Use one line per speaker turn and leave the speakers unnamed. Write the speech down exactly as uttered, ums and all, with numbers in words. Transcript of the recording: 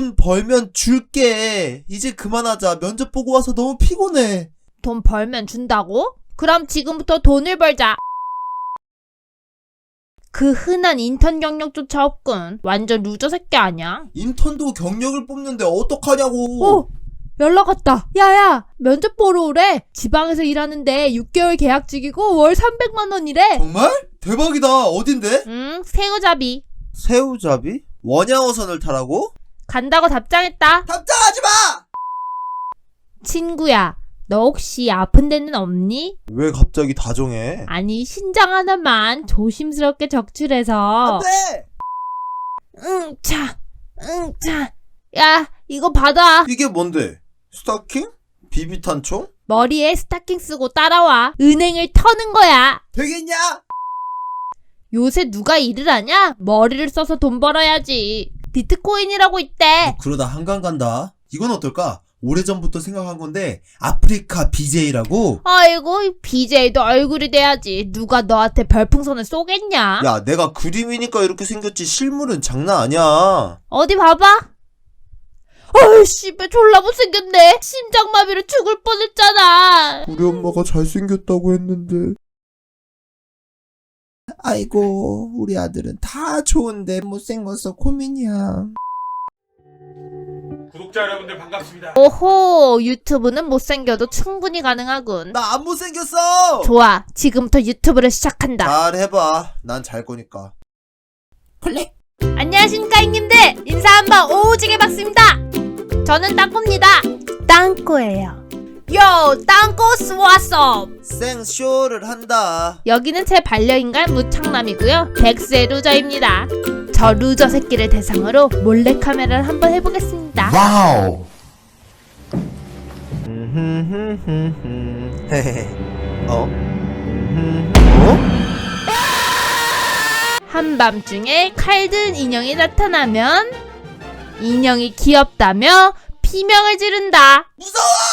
돈 벌면 줄게. 이제 그만하자. 면접 보고 와서 너무 피곤해.
돈 벌면 준다고? 그럼 지금부터 돈을 벌자. 그 흔한 인턴 경력조차 없군. 완전 루저 새끼 아니야?
인턴도 경력을 뽑는데 어떡하냐고.
오! 연락 왔다. 야야! 면접 보러 오래. 지방에서 일하는데 육 개월 계약직이고 월 삼백만 원이래.
정말? 대박이다. 어딘데?
응, 새우잡이.
새우잡이? 원양어선을 타라고?
간다고 답장했다.
답장하지 마!
친구야, 너 혹시 아픈 데는 없니?
왜 갑자기 다정해?
아니, 신장 하나만 조심스럽게 적출해서.
안 돼!
응, 차, 응, 차. 야, 이거 받아.
이게 뭔데? 스타킹? 비비탄총?
머리에 스타킹 쓰고 따라와. 은행을 터는 거야.
되겠냐?
요새 누가 일을 하냐? 머리를 써서 돈 벌어야지. 비트코인이라고 있대.
그러다 한강 간다. 이건 어떨까? 오래전부터 생각한 건데 아프리카 비제이라고?
아이고, 비제이도 얼굴이 돼야지. 누가 너한테 별풍선을 쏘겠냐?
야, 내가 그림이니까 이렇게 생겼지 실물은 장난 아니야.
어디 봐봐. 어이, 씨발, 졸라 못생겼네. 심장마비로 죽을 뻔했잖아.
우리 엄마가 잘생겼다고 했는데. 아이고, 우리 아들은 다 좋은데 못생겨서 고민이야.
구독자 여러분들 반갑습니다.
오호, 유튜브는 못생겨도 충분히 가능하군.
나 안 못생겼어!
좋아, 지금부터 유튜브를 시작한다.
잘 해봐. 난 잘 거니까.
클릭. 안녕하십니까, 형님들. 인사 한번 오지게 받습니다. 저는 땅꼬입니다. 땅꼬예요. 요, 땅꼬스 왔어.
생쇼를 한다.
여기는 제 반려인간 무창남이고요. 백세 루저입니다. 저 루저 새끼를 대상으로 몰래카메라를 한번 해보겠습니다.
와우. 어? 어?
한밤중에 칼든 인형이 나타나면 인형이 귀엽다며 비명을 지른다.
무서워!